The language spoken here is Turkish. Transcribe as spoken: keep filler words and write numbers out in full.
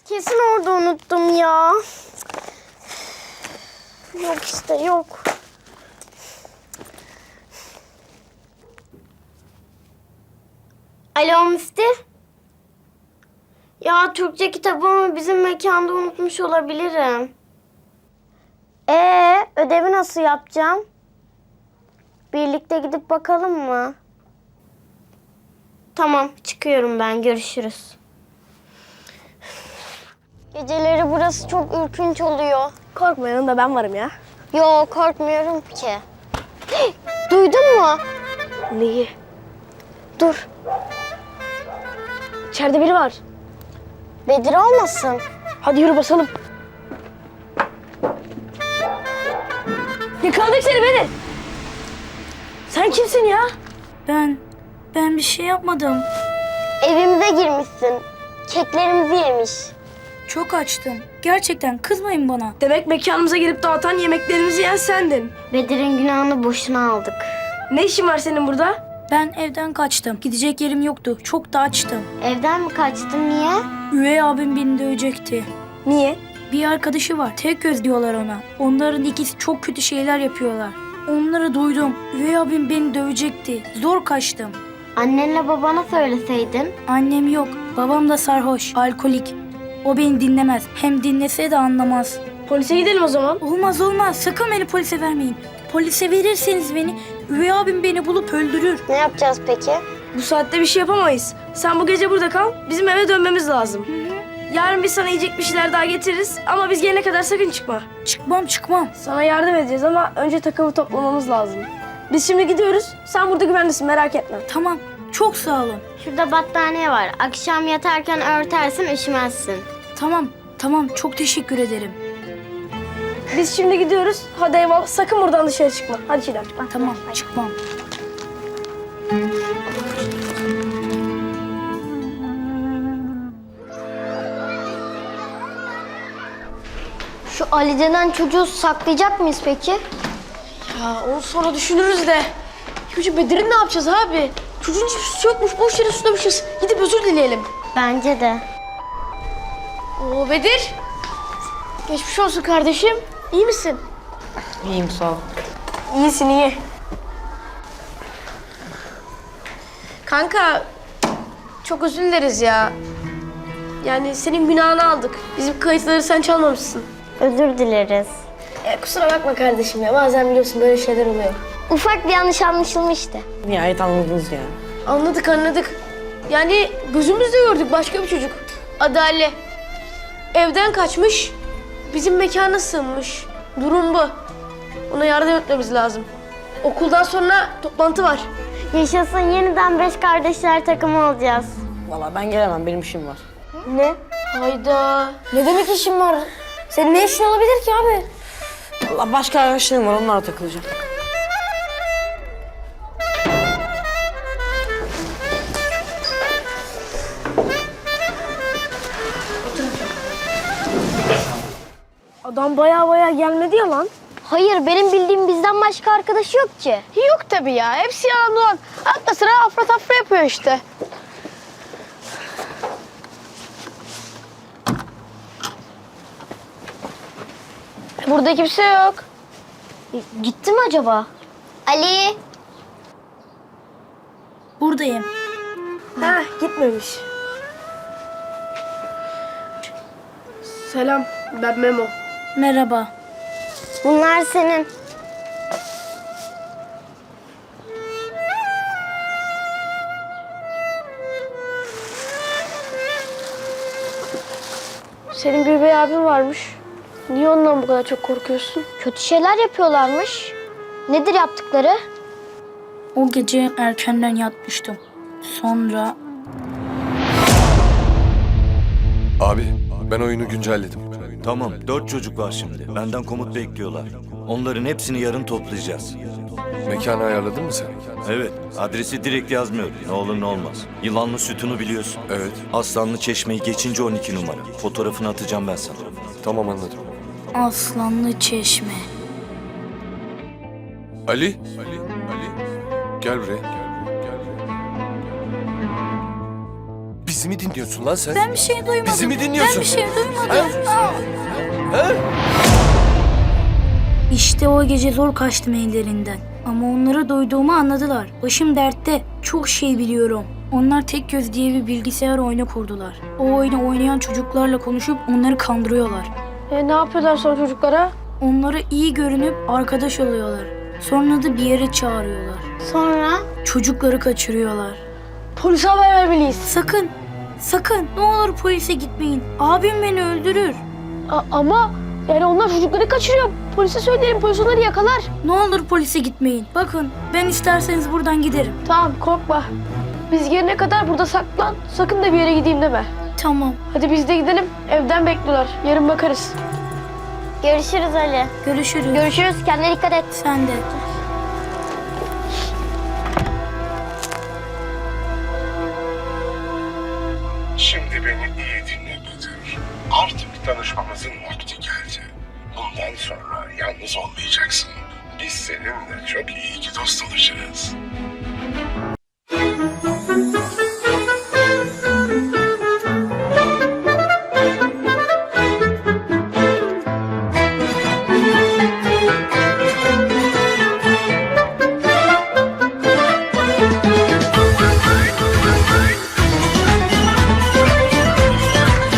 Kesin orada unuttum ya. Yok işte yok. Alo Müftü. Ya Türkçe kitabımı bizim mekanda unutmuş olabilirim. Ee, ödevi nasıl yapacağım? Birlikte gidip bakalım mı? Tamam, çıkıyorum ben. Görüşürüz. Geceleri burası çok ürkünç oluyor. Korkma, yanında ben varım ya. Yo, korkmuyorum ki. Duydun mu? Neyi? Dur. İçeride biri var. Bedir olmasın? Hadi yürü basalım. Yakaladık seni Bedir. Sen kimsin ya? Ben, ben bir şey yapmadım. Evimize girmişsin. Keklerimizi yemiş. Çok açtım. Gerçekten kızmayın bana. Demek mekanımıza gelip dağıtan yemeklerimizi yiyen sendin. Bedir'in günahını boşuna aldık. Ne işin var senin burada? Ben evden kaçtım. Gidecek yerim yoktu. Çok da açtım. Evden mi kaçtın? Niye? Üvey abim beni dövecekti. Niye? Bir arkadaşı var. Tek göz diyorlar ona. Onların ikisi çok kötü şeyler yapıyorlar. Onları duydum. Üvey abim beni dövecekti. Zor kaçtım. Annenle babana söyleseydin. Annem yok. Babam da sarhoş. Alkolik. O beni dinlemez. Hem dinlese de anlamaz. Polise gidelim o zaman. Olmaz olmaz. Sakın beni polise vermeyin. Polise verirseniz beni, üvey abim beni bulup öldürür. Ne yapacağız peki? Bu saatte bir şey yapamayız. Sen bu gece burada kal. Bizim eve dönmemiz lazım. Yarın biz sana yiyecek bir şeyler daha getiririz. Ama biz gelene kadar sakın çıkma. Çıkmam çıkmam. Sana yardım edeceğiz ama önce takımı toplamamız lazım. Biz şimdi gidiyoruz. Sen burada güvendesin, merak etme. Tamam. Çok sağ olun. Şurada battaniye var. Akşam yatarken örtersin, üşümezsin. Tamam. Tamam. Çok teşekkür ederim. Biz şimdi gidiyoruz. Hadi eyvallah. Sakın buradan dışarı çıkma. Hadi Çiğdem. Tamam. Çıkmam. Şu Ali denen çocuğu saklayacak mıyız peki? Ya onu sonra düşünürüz de. İlk önce Bedir'in ne yapacağız abi? Çocuğun hiçbir suçu yokmuş. Boş yere suçlamışız. Gidip özür dileyelim. Bence de. Oo Bedir. Geçmiş olsun kardeşim. İyi misin? İyiyim sağ ol. İyisin iyi. Kanka çok özür dileriz ya. Yani senin günahını aldık. Bizim kayıtları sen çalmamışsın. Özür dileriz. E, kusura bakma kardeşim ya. Bazen biliyorsun böyle şeyler oluyor. Ufak bir yanlış anlaşılmıştı. Nihayet anladınız ya. Anladık anladık. Yani gözümüzle gördük başka bir çocuk. Adı Ali. Evden kaçmış. Bizim mekana sığınmış. Durum bu. Ona yardım etmemiz lazım. Okuldan sonra toplantı var. Yaşasın, yeniden beş kardeşler takımı olacağız. Vallahi ben gelemem, benim işim var. Ne? Hayda. Ne demek işin var? Senin ne işin olabilir ki abi? Vallahi başka arkadaşlarım var, onlarla takılacağım. Adam baya baya gelmedi ya lan. Hayır, benim bildiğim bizden başka arkadaşı yok ki. Yok tabii ya. Hepsi yalan dolan. Hatta sıra afra tafra yapıyor işte. Burada kimse yok. Gitti mi acaba? Ali. Buradayım. Ha, gitmemiş. Selam, ben Memo. Merhaba. Bunlar senin. Senin bir üvey abin varmış. Niye ondan bu kadar çok korkuyorsun? Kötü şeyler yapıyorlarmış. Nedir yaptıkları? O gece erkenden yatmıştım. Sonra Abi ben oyunu güncelledim. Tamam, dört çocuk var şimdi. Benden komut bekliyorlar. Onların hepsini yarın toplayacağız. Mekanı ayarladın mı sen? Evet, adresi direkt yazmıyorum. Ne olur ne olmaz. Yılanlı sütunu biliyorsun. Evet. Aslanlı Çeşme'yi geçince on iki numara. Fotoğrafını atacağım ben sana. Tamam anladım. Aslanlı Çeşme. Ali. Ali. Ali. Gel buraya. Gel buraya. Gel buraya. Biz Bizi mi dinliyorsun lan sen? Ben bir şey duymadım. Bizi mi dinliyorsun? Ben bir şey duymadım. Ha? Aa! He? İşte o gece zor kaçtım ellerinden. Ama onları duyduğumu anladılar. Başım dertte. Çok şey biliyorum. Onlar Tek Göz diye bir bilgisayar oyunu kurdular. O oyunu oynayan çocuklarla konuşup onları kandırıyorlar. E, ne yapıyorlar sonra çocuklara? Onlara iyi görünüp arkadaş oluyorlar. Sonra da bir yere çağırıyorlar. Sonra? Çocukları kaçırıyorlar. Polise haber vermeliyiz. Sakın, sakın ne olur polise gitmeyin. Abim beni öldürür. A- ama yani onlar çocukları kaçırıyor. Polise söyleyelim, polis onları yakalar. Ne olur polise gitmeyin. Bakın ben isterseniz buradan giderim. Tamam, korkma. Biz gelene kadar burada saklan. Sakın da bir yere gideyim deme. Tamam, Hadi biz de gidelim. Evden bekliyorlar. Yarın bakarız. Görüşürüz Ali. görüşürüz. Görüşürüz. Kendine dikkat et. Sen de. Şimdi beni iyi dinle Bedir. Artık tanışmamızın vakti geldi. Bundan sonra yalnız olmayacaksın. Biz seninle çok iyi iki dost olacağız.